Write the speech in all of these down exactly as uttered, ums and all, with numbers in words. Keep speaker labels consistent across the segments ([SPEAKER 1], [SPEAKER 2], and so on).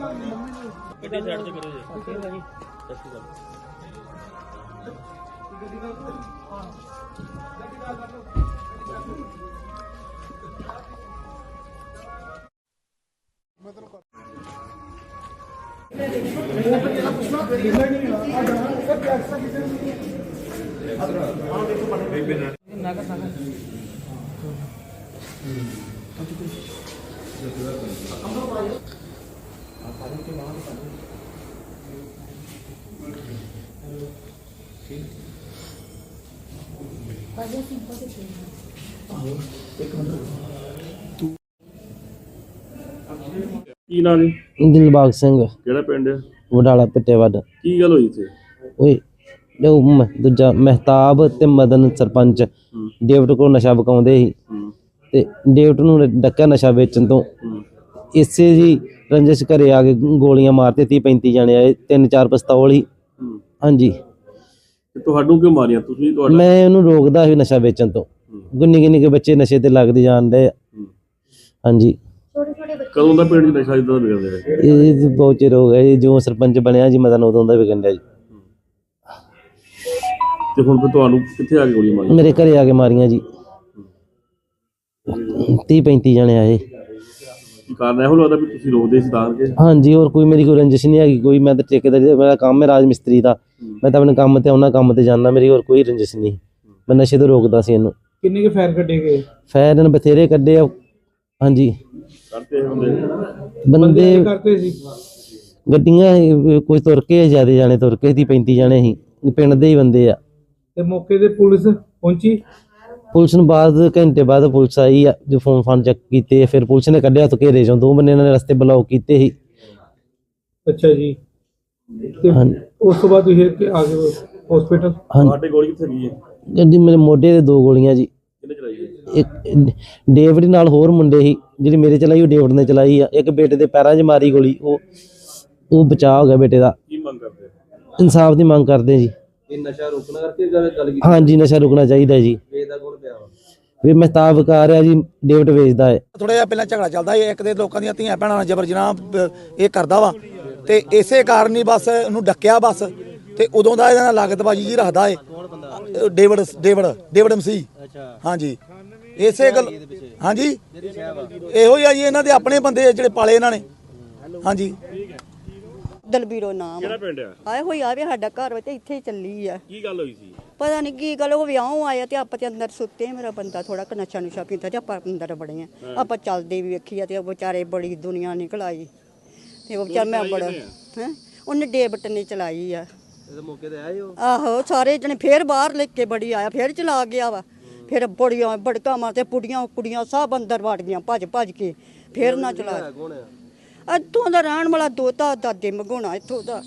[SPEAKER 1] ਕੀ ਨਾਂ ਜੀ?
[SPEAKER 2] ਦਿਲਬਾਗ ਸਿੰਘ।
[SPEAKER 1] ਕਿਹੜਾ ਪਿੰਡ ਹੈ?
[SPEAKER 2] ਵਡਾਲਾ ਪਿੱਟੇਵੱਡ।
[SPEAKER 1] ਕੀ ਗੱਲ ਹੋਈ ਇੱਥੇ?
[SPEAKER 2] ਓਏ ਉਹ ਦੂਜਾ ਮਹਿਤਾਬ ਤੇ ਮਦਨ ਸਰਪੰਚ ਡੇਵਿਡ ਕੋਲ ਨਸ਼ਾ ਵਿਕਾਉਂਦੇ ਸੀ ਤੇ ਡੇਵਿਡ ਨੂੰ ਡੱਕਿਆ ਨਸ਼ਾ ਵੇਚਣ ਤੋਂ। ਇਸੇ ਜੀ ਰੰਜਿਸ਼ ਘਰੇ ਆ ਕੇ ਗੋਲੀਆਂ ਮਾਰਤੇ। ਤੀਹ ਪੈਂਤੀ ਜਾਣੇ ਆਏ, ਤਿੰਨ ਚਾਰ ਪਿਸਤੌਲ ਹੀ। ਹਾਂਜੀ।
[SPEAKER 1] ਤੁਹਾਨੂੰ ਕਿਉਂ ਮਾਰੀਆਂ ਤੁਸੀਂ?
[SPEAKER 2] ਮੈਂ ਉਹਨੂੰ ਰੋਕਦਾ ਸੀ ਨਸ਼ਾ ਵੇਚਣ ਤੋਂ। ਗੁੰਨੀ ਗੁੰਨੀ ਕੇ ਬੱਚੇ ਨਸ਼ੇ ਤੇ ਲੱਗਦੇ ਜਾਣ ਡਏ। ਹਾਂਜੀ।
[SPEAKER 1] ਕਦੋਂ ਦਾ ਪਿੰਡ 'ਚ ਨਸ਼ਾ ਇਦਾਂ ਦਾ ਵਿਕਦਾ ਹੈ?
[SPEAKER 2] ਇਹ ਬਹੁਤ ਚਿਰ ਹੋ ਗਿਆ ਜੀ, ਜੋ ਸਰਪੰਚ ਬਣਿਆ ਜੀ ਮਦਨ ਉਦੋਂ ਦਾ ਵਿਕਣ ਡਿਆ ਜੀ।
[SPEAKER 1] ਤੇ ਹੁਣ ਫਿਰ ਤੁਹਾਨੂੰ ਕਿੱਥੇ ਆ ਕੇ ਗੋਲੀਆਂ ਮਾਰੀਆਂ?
[SPEAKER 2] ਮੇਰੇ ਘਰੇ ਆ ਕੇ ਮਾਰੀਆਂ ਜੀ। ਤੀਹ ਪੈਂਤੀ ਜਾਣੇ ਆਏ।
[SPEAKER 1] ਕੀ ਕਾਰਨ ਇਹੋ ਲੱਗਦਾ ਵੀ ਤੁਸੀਂ ਰੋਕਦੇ ਸੀ ਤਾਂ ਕਿ?
[SPEAKER 2] ਹਾਂਜੀ, ਹੋਰ ਕੋਈ ਮੇਰੀ ਕੋਈ ਰੰਜਿਸ਼ ਨਹੀਂ ਹੈਗੀ ਕੋਈ। ਮੈਂ ਤਾਂ ਠੇਕੇਦਾਰੀ, ਮੇਰਾ ਕੰਮ ਹੈ ਰਾਜ ਮਿਸਤਰੀ ਦਾ। ਮੈਂ ਤਾਂ ਆਪਣੇ ਕੰਮ ਤੇ ਆਉਣਾ, ਕੰਮ ਤੇ ਜਾਂਦਾ। ਮੇਰੀ ਹੋਰ ਕੋਈ ਰੰਜਿਸ਼ ਨਹੀਂ। ਮੈਂ ਨਸ਼ੇ ਤੋਂ ਰੋਕਦਾ ਸੀ ਇਹਨੂੰ।
[SPEAKER 3] ਕਿੰਨੇ ਕੇ ਫਾਇਰ ਕੱਢੇ ਗਏ?
[SPEAKER 2] ਫਾਇਰ ਇਹਨੇ ਬਥੇਰੇ ਕੱਢੇ ਆ। ਹਾਂਜੀ।
[SPEAKER 1] ਕਰਤੇ ਹੁੰਦੇ
[SPEAKER 2] ਬੰਦੇ
[SPEAKER 3] ਕਰਦੇ ਸੀ
[SPEAKER 2] ਗੱਡੀਆਂ ਕੋਈ ਤੁਰ ਕੇ ਜ਼ਿਆਦਾ ਜਾਣੇ, ਤੁਰ ਕੇ ਤੀਹ ਪੈਂਤੀ ਜਾਣੇ ਸੀ, ਪਿੰਡ ਦੇ ਹੀ ਬੰਦੇ ਆ।
[SPEAKER 3] ਤੇ ਮੌਕੇ ਤੇ ਪੁਲਿਸ ਪਹੁੰਚੀ?
[SPEAKER 2] ਪੁਲਿਸ ਨੂੰ ਬਾਅਦ ਘੰਟੇ ਬਾਅਦ ਪੁਲਿਸ ਆਈ ਆ, ਜੋ ਫੋਨ ਫਾਨ ਚੈੱਕ ਕੀਤੇ। ਫਿਰ ਪੁਲਿਸ ਨੇ ਕੱਢਿਆ ਤੋਂ ਘੇਰੇ ਚੋਂ। ਦੋ ਬੰਦੇ ਇਹਨਾਂ ਨੇ ਰਸਤੇ ਬਲੌਕ ਕੀਤੇ ਸੀ।
[SPEAKER 3] ਅੱਛਾ ਜੀ। ਤੇ ਉਸ ਤੋਂ ਬਾਅਦ ਤੁਸੀਂ ਆ ਗਏ ਹਸਪੀਟਲ?
[SPEAKER 1] ਤੁਹਾਡੇ ਗੋਲੀ ਕਿੱਥੇ ਗਈ ਹੈ?
[SPEAKER 2] ਗੱਡੀ ਮੇਰੇ ਮੋਢੇ ਤੇ ਦੋ ਗੋਲੀਆਂ ਜੀ।
[SPEAKER 1] ਕਿਹਨੇ ਚਲਾਈ ਹੈ?
[SPEAKER 2] ਇੱਕ ਡੇਵਿਡ ਨਾਲ ਹੋਰ ਮੁੰਡੇ ਸੀ। ਜਿਹੜੀ ਮੇਰੇ ਚਲਾਈ ਉਹ ਡੇਵਿਡ ਨੇ ਚਲਾਈ ਆ। ਇੱਕ ਬੇਟੇ ਦੇ ਪੈਰਾਂ 'ਚ ਮਾਰੀ ਗੋਲੀ, ਉਹ ਉਹ ਬਚਾਅ ਹੋ ਗਿਆ ਬੇਟੇ ਦਾ।
[SPEAKER 1] ਕੀ ਮੰਗ ਕਰਦੇ?
[SPEAKER 2] ਇਨਸਾਫ ਦੀ ਮੰਗ ਕਰਦੇ ਜੀ।
[SPEAKER 3] ਇਹ ਨਸ਼ਾ ਰੋਕਣਾ ਕਰਕੇ ਗੱਲ ਕੀਤੀ?
[SPEAKER 2] ਹਾਂਜੀ, ਨਸ਼ਾ ਰੁਕਣਾ ਚਾਹੀਦਾ ਜੀ।
[SPEAKER 3] ਵੇਚਦਾ ਕੌਣ ਪਿਆ ਵਾ?
[SPEAKER 2] ਵੀ ਮਹਿਤਾਬ ਵਿਕਾ ਰਿਹਾ ਜੀ, ਡੇਵਿਡ ਵੇਚਦਾ ਹੈ।
[SPEAKER 4] ਥੋੜਾ ਜਿਹਾ ਪਹਿਲਾਂ ਝਗੜਾ ਚੱਲਦਾ ਸੀ, ਇੱਕ ਦੇ ਲੋਕਾਂ ਦੀਆਂ ਧੀਆਂ ਭੈਣਾਂ ਨਾਲ ਜਬਰ ਜਨਾਹ ਇਹ ਕਰਦਾ ਵਾ ਤੇ ਇਸੇ ਕਾਰਨ ਹੀ ਬਸ ਉਹਨੂੰ ਡੱਕਿਆ ਬਸ। ਤੇ ਉਦੋਂ ਦਾ ਇਹਦਾ ਲਾਗਤਬਾਜੀ ਜੀ ਰੱਖਦਾ ਏ ਡੇਵਿਡ ਡੇਵਿਡ ਡੇਵਿਡ ਮਸੀਹ। ਹਾਂਜੀ, ਇਸੇ ਗੱਲ। ਹਾਂਜੀ, ਇਹੋ ਹੀ ਆ ਜੀ, ਇਹਨਾਂ ਦੇ ਆਪਣੇ ਬੰਦੇ ਜਿਹੜੇ ਪਾਲੇ ਇਹਨਾਂ ਨੇ। ਹਾਂਜੀ।
[SPEAKER 5] ਦਲਬੀਰੋ ਨਾਮ।
[SPEAKER 1] ਕਿਹੜਾ ਪਿੰਡ ਆ?
[SPEAKER 5] ਆਏ ਹੋਈ ਆਵੇ ਸਾਡਾ ਘਰ ਵਿੱਚ ਇੱਥੇ ਹੀ ਚੱਲੀ ਆ।
[SPEAKER 1] ਕੀ ਗੱਲ ਹੋਈ ਸੀ?
[SPEAKER 5] ਪਤਾ ਨਹੀਂ ਕੀ ਗੱਲ, ਉਹ ਵਿਆਹ ਆਇਆ ਤੇ ਆਪਾਂ ਤੇ ਅੰਦਰ ਸੁੱਤੇ। ਮੇਰਾ ਬੰਦਾ ਥੋੜਾ ਕ ਨਸ਼ਾ ਨੁਸ਼ਾ ਪੀਂਦਾ ਤੇ ਆਪਾਂ ਅੰਦਰ ਬੜੇ ਆ। ਆਪਾਂ ਚੱਲਦੇ ਵੀ ਵੇਖੀ ਆ ਤੇ ਉਹ ਵਿਚਾਰੇ ਬੜੀ ਦੁਨੀਆ ਨਿਕਲ ਆਈ ਤੇ ਉਹ ਵਿਚਾਰ ਮੈਂ ਬੜਾ ਹੈ ਉਹਨੇ ਡੇਵਿਡ ਨੇ ਚਲਾਈ ਆ।
[SPEAKER 3] ਮੌਕੇ ਤੇ ਆਏ ਹੋ?
[SPEAKER 5] ਆਹੋ, ਸਾਰੇ ਜਣੇ ਫੇਰ ਬਾਹਰ ਲੈ ਕੇ ਬੜੀ ਆਇਆ, ਫੇਰ ਚਲਾ ਗਿਆ ਵਾ। ਫਿਰ ਬੜੀਆਂ ਬੜਕਾ ਮਾਰਦੇ, ਪੁੜੀਆਂ ਕੁੜੀਆਂ ਸਭ ਅੰਦਰ ਵੜ ਗਈਆਂ ਭੱਜ ਭੱਜ ਕੇ। ਫੇਰ ਨਾ ਚਲਾ। ਇੱਥੋਂ ਦਾ ਰਹਿਣ ਵਾਲਾ ਦੋਤਾ ਦਾਦੇ ਮਗਾਉਣਾ ਇੱਥੋਂ ਦਾ।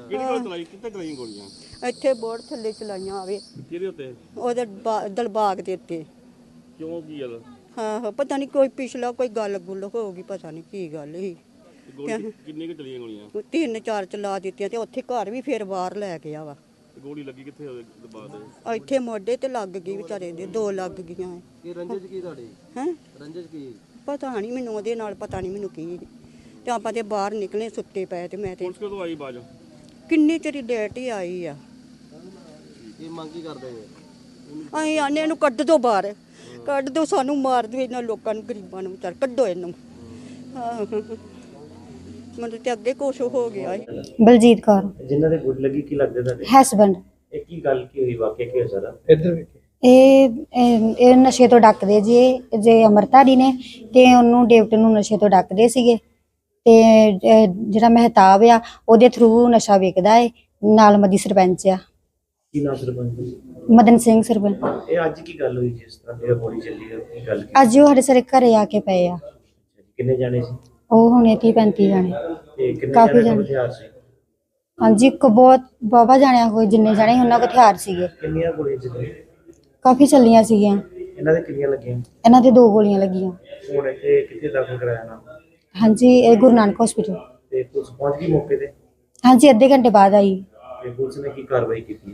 [SPEAKER 5] ਇੱਥੇ ਬੋਰਡ ਥੱਲੇ ਚਲਾਈਆਂ ਆਵੇ।
[SPEAKER 1] ਕਿਹਦੇ ਉੱਤੇ?
[SPEAKER 5] ਉਹਦੇ ਦਲਬਾਗ ਦੇ ਉੱਤੇ।
[SPEAKER 1] ਕਿਉਂ ਕੀ ਗੱਲ?
[SPEAKER 5] ਹਾਂ, ਪਤਾ ਨਹੀਂ ਕੋਈ ਪਿਛਲਾ ਕੋਈ ਗੱਲ ਗੁੱਲ ਹੋ ਗਈ, ਪਤਾ ਨਹੀਂ ਕੀ ਗੱਲ ਸੀ।
[SPEAKER 1] ਕਿੰਨੇ ਕੁ ਚਲੀਆਂ ਗੋਲੀਆਂ?
[SPEAKER 5] ਤਿੰਨ ਚਾਰ ਚਲਾ ਦਿੱਤੀਆਂ ਤੇ ਉੱਥੇ ਘਰ ਵੀ ਫੇਰ ਬਾਹਰ ਲੈ ਗਿਆ ਵਾ।
[SPEAKER 1] ਗੋਲੀ ਲੱਗੀ ਕਿੱਥੇ? ਉਹਦੇ ਬਾਅਦ
[SPEAKER 5] ਇੱਥੇ ਮੋਢੇ ਤੇ ਲੱਗ ਗਈ ਵਿਚਾਰੇ ਦੇ, ਦੋ ਲੱਗ ਗਈਆਂ।
[SPEAKER 3] ਇਹ ਰੰਜਿਸ਼ ਕੀ ਤੁਹਾਡੀ?
[SPEAKER 5] ਹੈ
[SPEAKER 3] ਰੰਜਿਸ਼ ਕੀ?
[SPEAKER 5] ਪਤਾ ਨਹੀਂ ਮੈਨੂੰ, ਉਹਦੇ ਨਾਲ ਪਤਾ ਨਹੀਂ ਮੈਨੂੰ ਕੀ। ਤੇ ਆਪਾਂ ਤੇ ਬਾਹਰ ਨਿਕਲੇ ਸੁੱਤੇ ਪਏ ਤੇ ਮੈਂ ਤੇ।
[SPEAKER 1] ਪੁਲਿਸ ਕਦੋਂ ਆਈ ਬਾਜ?
[SPEAKER 5] ਕਿੰਨੀ ਚਿਰ ਲੇਟ ਹੀ ਆਈ ਆ।
[SPEAKER 3] ਇਹ ਮੰਗ ਕੀ ਕਰਦੇ ਜੀ?
[SPEAKER 5] ਅਸੀਂ ਆਨੇ ਇਹਨੂੰ ਕੱਢ ਦੋ ਬਾਹਰ, ਕੱਢ ਦੋ, ਸਾਨੂੰ ਮਾਰ ਦਿਓ ਇਹਨਾਂ ਲੋਕਾਂ ਨੂੰ, ਗਰੀਬਾਂ ਨੂੰ ਵਿਚਾਰ ਕੱਢੋ ਇਹਨੂੰ। ਹਾਂ, ਮੈਨੂੰ ਤੇ ਅੱਗੇ ਕੁਛ ਹੋ ਗਿਆ।
[SPEAKER 6] ਬਲਜੀਤ ਕੌਰ।
[SPEAKER 2] ਜਿਨ੍ਹਾਂ ਦੇ ਗੁੱਡ ਲੱਗੀ ਕੀ ਲੱਗਦੇ ਤੁਹਾਡੇ?
[SPEAKER 6] ਹਸਬੈਂਡ।
[SPEAKER 2] ਇਹ ਕੀ ਗੱਲ ਕੀ ਹੋਈ, ਵਾਕਿਆ ਕੀ ਹੋਇਆ ਸਾਰਾ?
[SPEAKER 3] ਇੱਧਰ ਵੇਖੇ।
[SPEAKER 6] ਇਹ ਇਹ ਨਸ਼ੇ ਤੋਂ ਡੱਕਦੇ ਜੀ। ਇਹ ਜੇ ਅਮਰਤਾਰੀ ਨੇ ਤੇ ਉਹਨੂੰ ਡੇਵਿਡ ਨੂੰ ਨਸ਼ੇ ਤੋਂ ਡੱਕਦੇ ਸੀਗੇ ਤੇ ਜਿਹੜਾ ਮਹਿਤਾਬ ਆ ਉਹਦੇ ਥਰੂ ਨਸ਼ਾ ਵਿਕਦਾ ਹੈ। ਨਾਲ ਮਦੀ ਸਰਪੰਚ ਆ।
[SPEAKER 2] ਕੀ ਨਾਮ ਸਰਪੰਚ?
[SPEAKER 6] ਮਦਨ ਸਿੰਘ ਸਰਪੰਚ।
[SPEAKER 2] ਇਹ ਅੱਜ ਕੀ ਗੱਲ ਹੋਈ ਜਿਸ ਤਰ੍ਹਾਂ ਇਹ ਗੋਲੀ ਚੱਲੀ ਹੈ? ਕੀ ਗੱਲ?
[SPEAKER 6] ਅੱਜ ਉਹ ਸਾਡੇ ਸਾਰੇ ਘਰੇ ਆ ਕੇ ਪਏ ਆ।
[SPEAKER 2] ਕਿੰਨੇ ਜਾਣੇ ਸੀ?
[SPEAKER 6] ਉਹ ਹੁਣੇ ਤੀਹ ਪੈਂਤੀ ਜਾਣੇ।
[SPEAKER 2] ਤੇ ਕਿੰਨੇ
[SPEAKER 6] ਕਾਫੀ
[SPEAKER 2] ਜਾਣੇ ਹਥਿਆਰ ਸੀ?
[SPEAKER 6] ਹਾਂਜੀ, ਇੱਕ ਬਹੁਤ ਬਾਬਾ ਜਾਣਿਆ ਕੋਈ ਜਿੰਨੇ ਜਾਣੇ ਉਹਨਾਂ ਕੋਲ ਹਥਿਆਰ ਸੀਗੇ।
[SPEAKER 2] ਕਿੰਨੀਆਂ ਗੋਲੀਆਂ ਚੱਲੀਆਂ?
[SPEAKER 6] ਕਾਫੀ ਚੱਲੀਆਂ ਸੀਗੀਆਂ।
[SPEAKER 2] ਇਹਨਾਂ ਦੇ ਕਿੰਨੀਆਂ ਲੱਗੀਆਂ?
[SPEAKER 6] ਇਹਨਾਂ ਦੇ ਦੋ ਗੋਲੀਆਂ ਲੱਗੀਆਂ।
[SPEAKER 2] ਹੁਣ ਇਹ ਕਿੱਥੇ ਦਾਖਲ ਕਰਾਇਆ ਨਾ?
[SPEAKER 6] ਹਾਂਜੀ, ਇਹ ਗੁਰੂ ਨਾਨਕ ਹਸਪੀਟਲ।
[SPEAKER 2] ਤੇ ਪੁਲਿਸ ਪਹੁੰਚ ਗਈ ਮੌਕੇ ਤੇ?
[SPEAKER 6] ਹਾਂਜੀ, ਅੱਧੇ ਘੰਟੇ ਬਾਅਦ ਆਈ।
[SPEAKER 2] ਤੇ ਪੁਲਿਸ ਨੇ ਕੀ ਕਾਰਵਾਈ ਕੀਤੀ?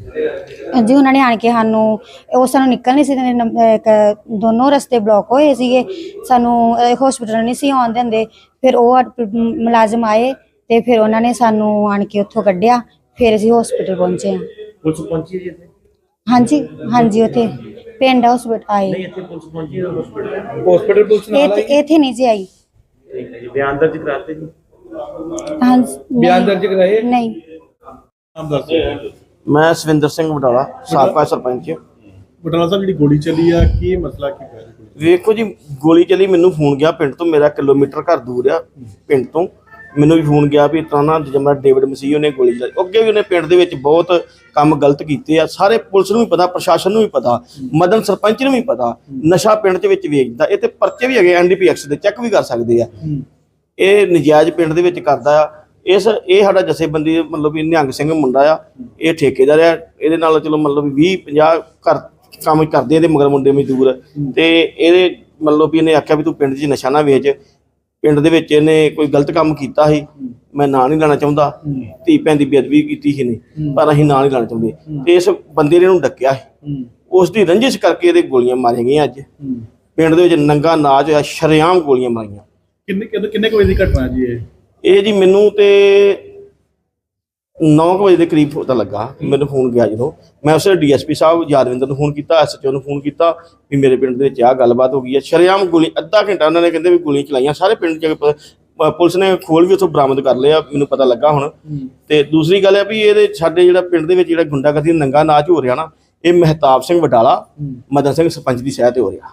[SPEAKER 6] ਜੀ ਉਹਨਾਂ ਨੇ ਆਣ ਕੇ ਸਾਨੂੰ ਉਹ ਸਾਨੂੰ ਨਿਕਲ ਨਹੀਂ ਸੀ ਦਿੰਦੇ, ਨੰਬ- ਇੱਕ ਦੋਨੋਂ ਰਸਤੇ ਬਲੌਕ ਹੋਏ ਸੀਗੇ, ਸਾਨੂੰ ਹਸਪੀਟਲ ਨਹੀਂ ਸੀ ਆਉਣ ਦਿੰਦੇ। ਫਿਰ ਉਹ ਅਡ- ਮੁਲਾਜ਼ਮ ਆਏ ਤੇ ਫਿਰ ਉਹਨਾਂ ਨੇ ਸਾਨੂੰ ਆਣ ਕੇ ਉੱਥੋਂ ਕੱਢਿਆ, ਫਿਰ ਅਸੀਂ ਹਸਪੀਟਲ ਪਹੁੰਚੇ ਹਾਂ।
[SPEAKER 1] ਪੁਲਿਸ ਪਹੁੰਚੀ ਜੀ ਇੱਥੇ?
[SPEAKER 6] ਹਾਂਜੀ ਹਾਂਜੀ ਉੱਥੇ ਪਿੰਡ ਹਸਪੀਟਲ ਆਏ।
[SPEAKER 1] ਨਹੀਂ ਇੱਥੇ ਪੁਲਿਸ ਪਹੁੰਚੀ ਹੈ ਹਸਪੀਟਲ?
[SPEAKER 3] ਹਸਪੀਟਲ ਪੁਲਿਸ ਨਾਲ
[SPEAKER 6] ਇੱਥੇ ਇੱਥੇ ਨਹੀਂ ਜੀ ਆਈ।
[SPEAKER 1] ਠੀਕ ਹੈ ਜੀ, ਬਿਆਨ ਦਰਜ ਕਰਾਤੇ ਜੀ?
[SPEAKER 6] ਹਾਂਜੀ
[SPEAKER 3] ਬਿਆਨ ਦਰਜ ਕਰਾਏ?
[SPEAKER 6] ਨਹੀਂ।
[SPEAKER 1] ਨਾਮ ਦੱਸ ਦਿਓ।
[SPEAKER 7] ਮੈਂ ਸਵਿੰਦਰ ਸਿੰਘ ਵਡਾਲਾ, ਸਾਬਕਾ ਸਰਪੰਚ।
[SPEAKER 1] ਬਟਾਲਾ ਸਾਹਿਬ ਜਿਹੜੀ ਗੋਲੀ ਚੱਲੀ ਆ, ਕੀ ਮਸਲਾ ਕੀ ਹੋਇਆ ਜੀ?
[SPEAKER 7] ਵੇਖੋ ਜੀ, ਗੋਲੀ ਚੱਲੀ, ਮੈਨੂੰ ਫੋਨ ਗਿਆ ਪਿੰਡ ਤੋਂ, ਮੇਰਾ ਕਿਲੋਮੀਟਰ ਘਰ ਦੂਰ ਆ ਪਿੰਡ ਤੋਂ। ਮੈਨੂੰ ਵੀ ਫੋਨ ਗਿਆ ਵੀ ਇਸ ਤਰ੍ਹਾਂ ਨਾ ਜਮਰਾ ਡੇਵਿਡ ਮਸੀਹ ਉਹਨੇ ਗੋਲੀ ਚਲਾਈ। ਅੱਗੇ ਵੀ ਉਹਨੇ ਪਿੰਡ ਦੇ ਵਿੱਚ ਬਹੁਤ ਕੰਮ ਗਲਤ ਕੀਤੇ ਆ, ਸਾਰੇ ਪੁਲਿਸ ਨੂੰ ਵੀ ਪਤਾ, ਪ੍ਰਸ਼ਾਸਨ ਨੂੰ ਵੀ ਪਤਾ, ਮਦਨ ਸਰਪੰਚ ਨੂੰ ਵੀ ਪਤਾ। ਨਸ਼ਾ ਪਿੰਡ ਦੇ ਵਿੱਚ ਵੇਚਦਾ, ਇਹ ਤੇ ਪਰਚੇ ਵੀ ਹੈਗੇ ਐਨ ਡੀ ਪੀ ਐਕਸ ਦੇ, ਚੈੱਕ ਵੀ ਕਰ ਸਕਦੇ ਆ। ਇਹ ਨਜਾਇਜ਼ ਪਿੰਡ ਦੇ ਵਿੱਚ ਕਰਦਾ ਆ। ਇਸ ਇਹ ਸਾਡਾ ਜਥੇਬੰਦੀ ਮਤਲਬ ਵੀ ਨਿਹੰਗ ਸਿੰਘ ਮੁੰਡਾ ਆ, ਇਹ ਠੇਕੇਦਾਰ ਆ। ਇਹਦੇ ਨਾਲ ਚਲੋ ਮਤਲਬ ਵੀ ਵੀਹ ਪੰਜਾਹ ਘਰ ਕੰਮ ਕਰਦੇ ਇਹਦੇ ਮਗਰ ਮੁੰਡੇ ਮਜ਼ਦੂਰ, ਤੇ ਇਹਦੇ ਮਤਲਬ ਵੀ ਇਹਨੇ ਆਖਿਆ ਵੀ ਤੂੰ ਪਿੰਡ 'ਚ ਨਸ਼ਾ ਨਾ ਵੇਚ। ਪਿੰਡ ਦੇ ਵਿੱਚ ਇਹਨੇ ਕੋਈ ਗਲਤ ਕੰਮ ਕੀਤਾ ਸੀ, ਮੈਂ ਨਾਂ ਨਹੀਂ ਲੈਣਾ ਚਾਹੁੰਦਾ, ਧੀ ਭੈਣ ਦੀ ਬੇਅਦਬੀ ਕੀਤੀ ਸੀ ਨੇ, ਪਰ ਅਸੀਂ ਨਾਂ ਨਹੀਂ ਲੈਣਾ ਚਾਹੁੰਦੇ। ਤੇ ਇਸ ਬੰਦੇ ਨੇ ਇਹਨੂੰ ਡੱਕਿਆ ਸੀ, ਉਸ ਦੀ ਰੰਜਿਸ਼ ਕਰਕੇ ਇਹਦੇ ਗੋਲੀਆਂ ਮਾਰੀਆਂ ਗਈਆਂ। ਅੱਜ ਪਿੰਡ ਦੇ ਵਿੱਚ ਨੰਗਾ ਨਾਚ ਹੋਇਆ, ਸ਼ਰੇਆਮ ਗੋਲੀਆਂ ਮਾਰੀਆਂ।
[SPEAKER 1] ਕਿੰਨੇ ਕਿੰਨੇ ਕੁ ਵਜੇ ਦੀ ਘਟਨਾ ਜੀ ਇਹ?
[SPEAKER 7] ਇਹ ਜੀ ਮੈਨੂੰ ਤੇ ਨੌ ਕੁ ਵਜੇ ਦੇ ਕਰੀਬ ਪਤਾ ਲੱਗਾ, ਮੈਨੂੰ ਫੋਨ ਗਿਆ ਜਦੋਂ। ਮੈਂ ਉਸੇ D S P sahib Yadwinder ਨੂੰ ਫੋਨ ਕੀਤਾ, ਐਸ ਐਚ ਓ ਨੂੰ ਫੋਨ ਕੀਤਾ ਵੀ ਮੇਰੇ ਪਿੰਡ ਦੇ ਵਿੱਚ ਆਹ ਗੱਲਬਾਤ ਹੋ ਗਈ ਹੈ। ਸ਼ਰੇਆਮ ਗੋਲੀ, ਅੱਧਾ ਘੰਟਾ ਉਹਨਾਂ ਨੇ ਕਹਿੰਦੇ ਵੀ ਗੋਲੀਆਂ ਚਲਾਈਆਂ ਸਾਰੇ ਪਿੰਡ 'ਚ। ਪੁਲਿਸ ਨੇ ਖੋਲ ਵੀ ਉੱਥੋਂ ਬਰਾਮਦ ਕਰ ਲਿਆ, ਮੈਨੂੰ ਪਤਾ ਲੱਗਾ ਹੁਣ। ਤੇ ਦੂਸਰੀ ਗੱਲ ਹੈ ਵੀ ਇਹਦੇ ਸਾਡੇ ਜਿਹੜਾ ਪਿੰਡ ਦੇ ਵਿੱਚ ਜਿਹੜਾ ਗੁੰਡਾਗਰਦੀ ਨੰਗਾ ਨਾਚ ਹੋ ਰਿਹਾ ਨਾ, ਇਹ ਮਹਿਤਾਬ ਸਿੰਘ ਵਡਾਲਾ, ਮਦਨ ਸਿੰਘ ਸਰਪੰਚ ਦੀ ਸਹਿ ਤੇ ਹੋ ਰਿਹਾ।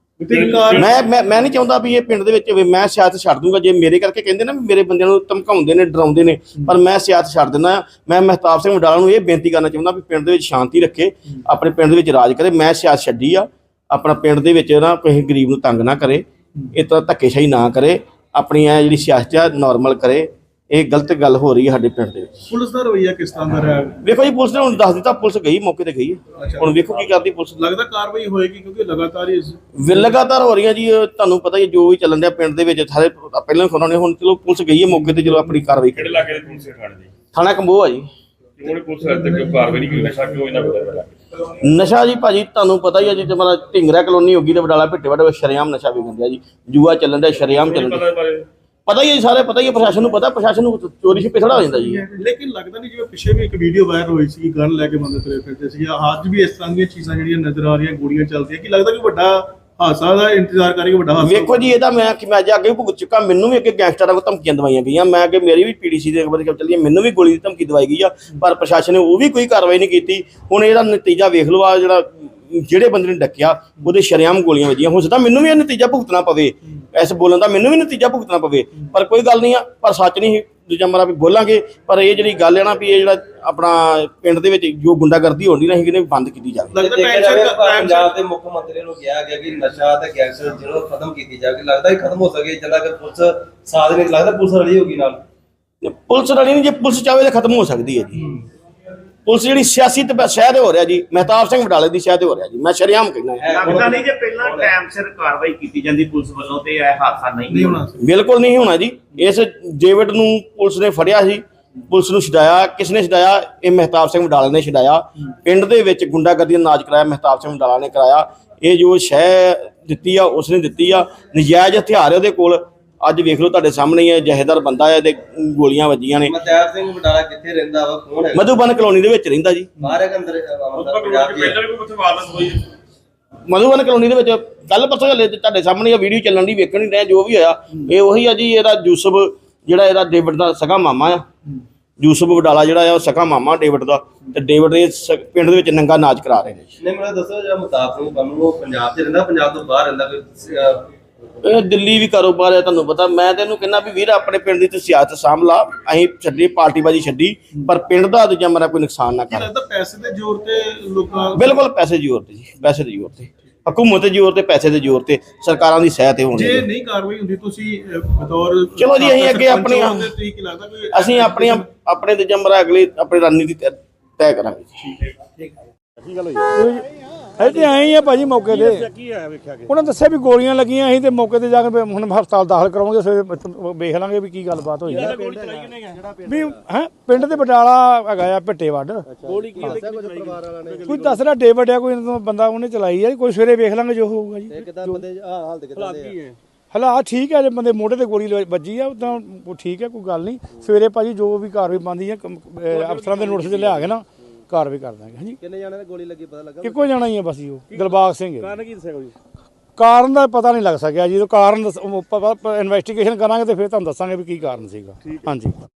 [SPEAKER 7] ਮੈਂ ਮੈਂ ਮੈਂ ਨਹੀਂ ਚਾਹੁੰਦਾ ਵੀ ਇਹ ਪਿੰਡ ਦੇ ਵਿੱਚ ਹੋਵੇ। ਮੈਂ ਸਿਆਸਤ ਛੱਡ ਦੂੰਗਾ ਜੇ ਮੇਰੇ ਕਰਕੇ ਕਹਿੰਦੇ ਨਾ ਵੀ ਮੇਰੇ ਬੰਦਿਆਂ ਨੂੰ ਧਮਕਾਉਂਦੇ ਨੇ, ਡਰਾਉਂਦੇ ਨੇ, ਪਰ ਮੈਂ ਸਿਆਸਤ ਛੱਡ ਦਿੰਦਾ। ਮੈਂ ਮਹਿਤਾਬ ਸਿੰਘ ਵਡਾਲਾ ਨੂੰ ਇਹ ਬੇਨਤੀ ਕਰਨਾ ਚਾਹੁੰਦਾ ਵੀ ਪਿੰਡ ਦੇ ਵਿੱਚ ਸ਼ਾਂਤੀ ਰੱਖੇ, ਆਪਣੇ ਪਿੰਡ ਦੇ ਵਿੱਚ ਰਾਜ ਕਰੇ। ਮੈਂ ਸਿਆਸਤ ਛੱਡੀ ਆ, ਆਪਣਾ ਪਿੰਡ ਦੇ ਵਿੱਚ ਨਾ ਕਿਸੇ ਗਰੀਬ ਨੂੰ ਤੰਗ ਨਾ ਕਰੇ, ਇਸ ਤਰ੍ਹਾਂ ਧੱਕੇਸ਼ਾਹੀ ਨਾ ਕਰੇ, ਆਪਣੀ ਇਹ ਜਿਹੜੀ ਸਿਆਸਤ ਆ ਨਾਰਮਲ ਕਰੇ। ਇਹ ਗਲਤ ਗੱਲ ਹੋ ਰਹੀ ਹੈ ਸਾਡੇ ਪਿੰਡ ਦੇ ਵਿੱਚ।
[SPEAKER 1] ਪੁਲਿਸ ਦਾ ਰਵੱਈਆ ਕਿਸ ਤਰ੍ਹਾਂ ਦਾ ਰਿਹਾ?
[SPEAKER 7] ਵੇਖੋ ਜੀ, ਪੁਲਿਸ ਨੇ ਹੁਣ ਦੱਸ ਦਿੱਤਾ, ਪੁਲਿਸ ਗਈ, ਮੌਕੇ ਤੇ ਗਈ ਹੈ। ਹੁਣ ਵੇਖੋ ਕੀ ਕਰਦੀ ਪੁਲਿਸ।
[SPEAKER 1] ਲੱਗਦਾ ਕਾਰਵਾਈ ਹੋਏਗੀ ਕਿਉਂਕਿ ਲਗਾਤਾਰ ਹੀ
[SPEAKER 7] ਵੀ ਲਗਾਤਾਰ ਹੋ ਰਹੀਆਂ ਜੀ। ਤੁਹਾਨੂੰ ਪਤਾ ਹੀ ਜੋ ਵੀ ਚੱਲਣ ਡਿਆ ਪਿੰਡ ਦੇ ਵਿੱਚ, ਸਾਰੇ ਪਹਿਲਾਂ ਖੋਣਾ ਨੇ, ਹੁਣ ਚਲੋ ਪੁਲਿਸ ਗਈ ਹੈ ਮੌਕੇ ਤੇ, ਚਲੋ ਆਪਣੀ ਕਾਰਵਾਈ
[SPEAKER 8] ਕਿਹੜੇ ਇਲਾਕੇ ਦੇ ਪੁਲਿਸ ਥਾਣੇ ਦੀ?
[SPEAKER 7] ਥਾਣਾ ਕੰਬੋਹ ਆ ਜੀ।
[SPEAKER 8] ਕਿਉਂ ਪੁਲਿਸ ਹੱਦ ਤੱਕ ਕਾਰਵਾਈ ਨਹੀਂ ਕੀਤੀ? ਨਸ਼ਾ ਕਿਉਂ ਇਹਨਾਂ ਕੋਲ?
[SPEAKER 7] ਨਸ਼ਾ ਜੀ ਭਾਜੀ ਤੁਹਾਨੂੰ ਪਤਾ ਹੀ ਆ ਜੀ, ਜਮਰਾ ਢਿੰਗਰਾ ਕਲੋਨੀ ਹੋ ਗਈ ਤੇ ਵਡਾਲਾ ਭਿੱਟੇ ਵੜੇ ਸ਼ਰੇਆਮ ਨਸ਼ਾ ਵਿਕਣ ਡਿਆ ਜੀ। ਜੂਆ ਚੱਲਣ ਡਿਆ, ਸ਼ਰੇਆਮ ਚੱਲਣ ਡਿਆ। ਪਤਾ ਹੀ ਹੈ, ਸਾਰੇ ਪਤਾ ਹੀ ਹੈ, ਪ੍ਰਸ਼ਾਸਨ ਨੂੰ ਪਤਾ, ਪ੍ਰਸ਼ਾਸਨ ਨੂੰ ਚੋਰੀ ਛਿਪੇ ਥੋੜਾ ਹੋ ਜਾਂਦਾ ਜੀ।
[SPEAKER 1] ਲੇਕਿਨ ਲੱਗਦਾ ਨਹੀਂ, ਜਿਵੇਂ ਪਿੱਛੇ ਵੀ ਇੱਕ ਵੀਡੀਓ ਵਾਇਰਲ ਹੋਈ ਸੀ, ਗਨ ਲੈ ਕੇ ਬੰਦੇ ਤੁਰੇ ਫਿਰਦੇ ਸੀ, ਅੱਜ ਵੀ ਇਸ ਤਰ੍ਹਾਂ ਦੀਆਂ ਚੀਜ਼ਾਂ ਜਿਹੜੀਆਂ ਨਜ਼ਰ ਆ ਰਹੀਆਂ, ਗੋਲੀਆਂ ਚੱਲਦੀਆਂ, ਕੀ ਲੱਗਦਾ ਕਿ ਵੱਡਾ ਹਾਦਸਾ ਦਾ ਇੰਤਜ਼ਾਰ ਕਰਕੇ ਵੱਡਾ ਹਾਦਸਾ?
[SPEAKER 7] ਵੇਖੋ ਜੀ, ਇਹਦਾ ਮੈਂ ਕਿ ਮੈਂ ਅੱਜ ਅੱਗੇ ਵੀ ਭੁਗਤ ਚੁੱਕਾ। ਮੈਨੂੰ ਵੀ ਅੱਗੇ ਗੈਂਗਸਟਰਾਂ ਕੋਲ ਧਮਕੀਆਂ ਦਵਾਈਆਂ ਗਈਆਂ। ਮੈਂ ਅੱਗੇ ਮੇਰੀ ਵੀ ਪੀ ਡੀ ਸੀ ਦੇ ਅਖਬਾਰ ਚੱਲੀ, ਮੈਨੂੰ ਵੀ ਗੋਲੀ ਦੀ ਧਮਕੀ ਦਵਾਈ ਗਈ ਆ, ਪਰ ਪ੍ਰਸ਼ਾਸਨ ਨੇ ਉਹ ਵੀ ਕੋਈ ਕਾਰਵਾਈ ਨਹੀਂ ਕੀਤੀ। ਹੁਣ ਇਹਦਾ ਨਤੀਜਾ ਵੇਖ ਲਓ, ਆ ਜਿਹੜਾ ਜਿਹੜੇ ਬੰਦੇ ਨੇ ਡੱਕਿਆ ਉਹਦੇ ਸ਼ਰੇਆਮ ਗੋਲੀਆਂ ਵੱਜੀਆਂ। ਹੋ ਸਕਦਾ ਮੈਨੂੰ ਵੀ ਇਹ ਨਤੀਜਾ ਭੁਗਤਣਾ ਪਵੇ, ਐਸ ਬੋਲਣ ਦਾ ਮੈਨੂੰ ਵੀ ਨਤੀਜਾ ਭੁਗਤਣਾ ਪਵੇ, ਪਰ ਕੋਈ ਗੱਲ ਨਹੀਂ ਆ। ਪਰ ਸੱਚ ਨਹੀਂ ਦੂਜਾ ਮਰਾ ਵੀ ਬੋਲਾਂਗੇ। ਪਰ ਇਹ ਜਿਹੜੀ ਗੱਲ ਹੈ ਨਾ ਵੀ ਇਹ ਜਿਹੜਾ ਆਪਣਾ ਪਿੰਡ ਦੇ ਵਿੱਚ ਜੋ ਗੁੰਡਾਗਰਦੀ ਹੋਣੀ ਨਾ, ਇਹਨੇ ਬੰਦ ਕੀਤੀ ਜਾਵੇ।
[SPEAKER 1] ਲੱਗਦਾ
[SPEAKER 9] ਪੰਜਾਬ ਦੇ ਮੁੱਖ ਮੰਤਰੀ ਨੂੰ ਕਿਹਾ ਗਿਆ ਕਿ ਨਸ਼ਾ ਤੇ ਗੈਂਗਸਟਰ ਜਿਹਨੂੰ ਖਤਮ ਕੀਤੀ ਜਾਵੇ। ਲੱਗਦਾ ਹੀ ਖਤਮ ਹੋ ਸਕੇ ਜਦੋਂ ਕਿ ਪੁਲਿਸ ਸਾਥ ਨਹੀਂ, ਲੱਗਦਾ ਪੁਲਿਸ ਰਲੀ ਹੋਗੀ ਨਾਲ।
[SPEAKER 7] ਪੁਲਿਸ ਰਲੀ ਨਹੀਂ, ਜੇ ਪੁਲਿਸ ਚਾਹੇ ਤਾਂ ਖਤਮ ਹੋ ਸਕਦੀ ਹੈ ਜੀ। ਪੁਲਿਸ ਜਿਹੜੀ ਸਿਆਸੀ ਤੇ ਸ਼ਹਿ ਤੇ ਹੋ ਰਿਹਾ ਜੀ, ਮਹਿਤਾਬ ਸਿੰਘ ਵਡਾਲੇ ਦੀ ਸ਼ਹਿ ਤੇ ਹੋ ਰਿਹਾ ਜੀ। ਮੈਂ ਸ਼ਰੇਆਮ ਕਹਿਣਾ,
[SPEAKER 10] ਲੱਗਦਾ ਨਹੀਂ ਜੇ ਪਹਿਲਾਂ ਟਾਈਮ ਸਿਰ ਕਾਰਵਾਈ ਕੀਤੀ ਜਾਂਦੀ ਪੁਲਿਸ ਵੱਲੋਂ ਤੇ ਇਹ ਹਾਦਸਾ ਨਹੀਂ ਹੋਣਾ।
[SPEAKER 7] ਬਿਲਕੁਲ ਨਹੀਂ ਹੋਣਾ ਜੀ। ਇਸ ਡੇਵਿਡ ਨੂੰ ਪੁਲਿਸ ਨੇ ਫੜਿਆ ਸੀ, ਪੁਲਿਸ ਨੂੰ ਛਡਾਇਆ। ਕਿਸ ਨੇ ਛਡਾਇਆ? ਇਹ ਮਹਿਤਾਬ ਸਿੰਘ ਵਡਾਲੇ ਨੇ ਛਡਾਇਆ। ਪਿੰਡ ਦੇ ਵਿੱਚ ਗੁੰਡਾਗਰਦੀ ਦਾ ਨਾਚ ਕਰਾਇਆ ਮਹਿਤਾਬ ਸਿੰਘ ਵਡਾਲਾ ਨੇ ਕਰਾਇਆ। ਇਹ ਜੋ ਸ਼ਹਿ ਦਿੱਤੀ ਆ ਉਸਨੇ ਦਿੱਤੀ ਆ। ਨਜਾਇਜ਼ ਹਥਿਆਰ ਉਹਦੇ ਕੋਲ, ਅੱਜ ਵੇਖ ਲਓ ਤੁਹਾਡੇ ਸਾਹਮਣੇ ਹੀ ਹੈ, ਜਹੇਦਾਰ ਬੰਦਾ ਹੈ ਤੇ ਗੋਲੀਆਂ ਵੱਜੀਆਂ ਨੇ।
[SPEAKER 9] ਮਹਿਤਾਬ ਸਿੰਘ ਵਡਾਲਾ ਕਿੱਥੇ ਰਹਿੰਦਾ ਵਾ, ਕੌਣ ਹੈ?
[SPEAKER 7] ਮਧੂਬਨ ਕਲੋਨੀ ਦੇ ਵਿੱਚ ਰਹਿੰਦਾ ਜੀ।
[SPEAKER 9] ਬਾਹਰ ਹੈ ਕਿ ਅੰਦਰ?
[SPEAKER 7] ਮਧੂਬਨ ਕਲੋਨੀ ਦੇ ਵਿੱਚ ਕੱਲ ਪਰਸੋਂ ਹਲੇ ਤੁਹਾਡੇ ਸਾਹਮਣੇ ਇਹ ਵੀਡੀਓ ਚੱਲਣ ਦੀ ਵੇਖਣ ਹੀ ਰਹੇ, ਜੋ ਵੀ ਹੋਇਆ ਇਹ ਉਹੀ ਆ ਜੀ। ਇਹਦਾ ਯੂਸਫ ਜਿਹੜਾ ਇਹਦਾ ਡੇਵਿਡ ਦਾ ਸਗਾ ਮਾਮਾ ਆ, ਯੂਸਫ ਵਡਾਲਾ ਜਿਹੜਾ ਆ ਉਹ ਸਗਾ ਮਾਮਾ ਡੇਵਿਡ ਦਾ, ਤੇ ਡੇਵਿਡ ਦੇ ਪਿੰਡ ਦੇ ਵਿੱਚ ਨੰਗਾ ਨਾਚ ਕਰਾ ਰਹੇ ਨੇ।
[SPEAKER 9] ਨਹੀਂ ਮੈਨੂੰ ਦੱਸੋ, ਜਿਹੜਾ ਮਹਿਤਾਬ ਸਿੰਘ ਬੰਨੂ ਉਹ ਪੰਜਾਬ 'ਚ ਰਹਿੰਦਾ, ਪੰਜਾਬ ਤੋਂ ਬਾਹਰ ਰਹਿੰਦਾ? ਕੋਈ
[SPEAKER 7] ਇਹ ਦਿੱਲੀ ਵੀ ਕਾਰੋਬਾਰ ਹੈ, ਤੁਹਾਨੂੰ ਪਤਾ। ਮੈਂ ਤੈਨੂੰ ਕਹਿੰਦਾ ਵੀ ਵੀਰ ਆਪਣੇ ਪਿੰਡ ਦੀ ਤੂੰ ਸਿਆਸਤ ਸਾਂਭ ਲਾ। ਅਸੀਂ ਛੱਡੀ ਪਾਰਟੀਬਾਜ਼ੀ ਛੱਡੀ, ਪਰ ਪਿੰਡ ਦਾ ਦੂਜਾ ਮੇਰਾ ਕੋਈ ਨੁਕਸਾਨ ਨਾ ਕਰ।
[SPEAKER 1] ਲੱਗਦਾ ਪੈਸੇ ਦੇ ਜ਼ੋਰ ਤੇ ਲੋਕਾਂ?
[SPEAKER 7] ਬਿਲਕੁਲ ਪੈਸੇ ਦੀ ਜ਼ੋਰ ਤੇ ਜੀ, ਪੈਸੇ ਦੀ ਜ਼ੋਰ ਤੇ, ਹਕੂਮਤ ਦੇ ਜ਼ੋਰ ਤੇ, ਪੈਸੇ ਦੇ ਜ਼ੋਰ ਤੇ, ਸਰਕਾਰਾਂ ਦੀ ਸਹਿ ਤੇ ਹੋਣੀ।
[SPEAKER 1] ਜੇ ਨਹੀਂ ਕਾਰਵਾਈ ਹੁੰਦੀ ਤੁਸੀਂ ਬਤੌਰ
[SPEAKER 7] ਚਲੋ ਜੀ ਅਸੀਂ ਅੱਗੇ ਆਪਣੀਆਂ ਅਸੀਂ ਆਪਣੀਆਂ ਆਪਣੇ ਦੂਜਾ ਮੇਰਾ ਅਗਲੀ ਆਪਣੀ ਰਣਨੀਤੀ ਤੈਅ ਕਰਾਂਗੇ ਜੀ।
[SPEAKER 11] ਕੀ ਗੱਲ ਹੋਈ?
[SPEAKER 12] ਇੱਥੇ ਆਏ ਹੀ ਆ ਭਾਜੀ ਮੌਕੇ ਤੇ।
[SPEAKER 11] ਕੀ ਹੋਇਆ ਵੇਖਿਆ ਕਿ
[SPEAKER 12] ਉਹਨਾਂ ਦੱਸਿਆ ਵੀ ਗੋਲੀਆਂ ਲੱਗੀਆਂ ਅਸੀਂ ਤੇ ਮੌਕੇ ਤੇ ਜਾ ਕੇ ਹੁਣ ਹਸਪਤਾਲ ਦਾਖਲ ਕਰਾਉਂਗੇ, ਸਵੇਰੇ ਵੇਖ ਲਾਂਗੇ ਵੀ ਕੀ ਗੱਲਬਾਤ ਹੋਈ ਹੈ। ਵੀ ਹੈ ਪਿੰਡ ਦੇ ਬਟਾਲਾ ਹੈਗਾ ਆ ਭਿੱਟੇ ਵੱਡ।
[SPEAKER 11] ਗੋਲੀ ਕੀ ਦੱਸਿਆ ਕੁਝ ਪਰਿਵਾਰ ਵਾਲਿਆਂ ਨੇ?
[SPEAKER 12] ਕੋਈ ਦੱਸ ਰਿਹਾ ਡੇਵਿਡ ਆ ਕੋਈ ਇਹਨਾਂ ਤੋਂ ਬੰਦਾ ਉਹਨੇ ਚਲਾਈ ਆ, ਕੋਈ ਸਵੇਰੇ ਵੇਖ ਲਾਂਗੇ ਜੋ ਹੋਊਗਾ ਜੀ।
[SPEAKER 11] ਕਿਦਾਂ ਬੰਦੇ ਹਾਲਤ ਕਿਦਾਂ ਦੇ ਆ?
[SPEAKER 12] ਹਾਲਾਤ ਠੀਕ ਹੈ, ਜੇ ਬੰਦੇ ਮੋਢੇ ਤੇ ਗੋਲੀ ਲ- ਵੱਜੀ ਆ ਉਦਾਂ ਉਹ ਠੀਕ ਹੈ, ਕੋਈ ਗੱਲ ਨਹੀਂ। ਸਵੇਰੇ ਭਾਜੀ ਜੋ ਵੀ ਕਾਰਵਾਈ ਬਣਦੀ ਹੈ ਕਮ- ਅਹ ਅਫਸਰਾਂ ਦੇ ਨੋਟਿਸ 'ਚ ਲਿਆ ਕੇ ਨਾ ਕਾਰਵਾਈ ਕਰ ਦਾਂਗੇ। ਹਾਂਜੀ
[SPEAKER 11] ਕਿੰਨੇ ਜਾਣੇ ਤੇ ਗੋਲੀ ਲੱਗੀ ਪਤਾ ਲੱਗਾ?
[SPEAKER 12] ਇੱਕੋ ਜਾਣਾ ਹੀ ਹੈ ਬਸ ਜੀ, ਉਹ ਦਿਲਬਾਗ ਸਿੰਘ ਹੈ।
[SPEAKER 11] ਕਾਰਨ ਕੀ ਦੱਸਿਆ ਕੋਈ?
[SPEAKER 12] ਕਾਰਨ ਦਾ ਪਤਾ ਨਹੀਂ ਲੱਗ ਸਕਿਆ ਜੀ, ਕਾਰਨ ਇਨਵੈਸਟੀਗੇਸ਼ਨ ਕਰਾਂਗੇ ਤੇ ਫਿਰ ਤੁਹਾਨੂੰ ਦੱਸਾਂਗੇ ਵੀ ਕੀ ਕਾਰਨ ਸੀਗਾ। ਹਾਂਜੀ।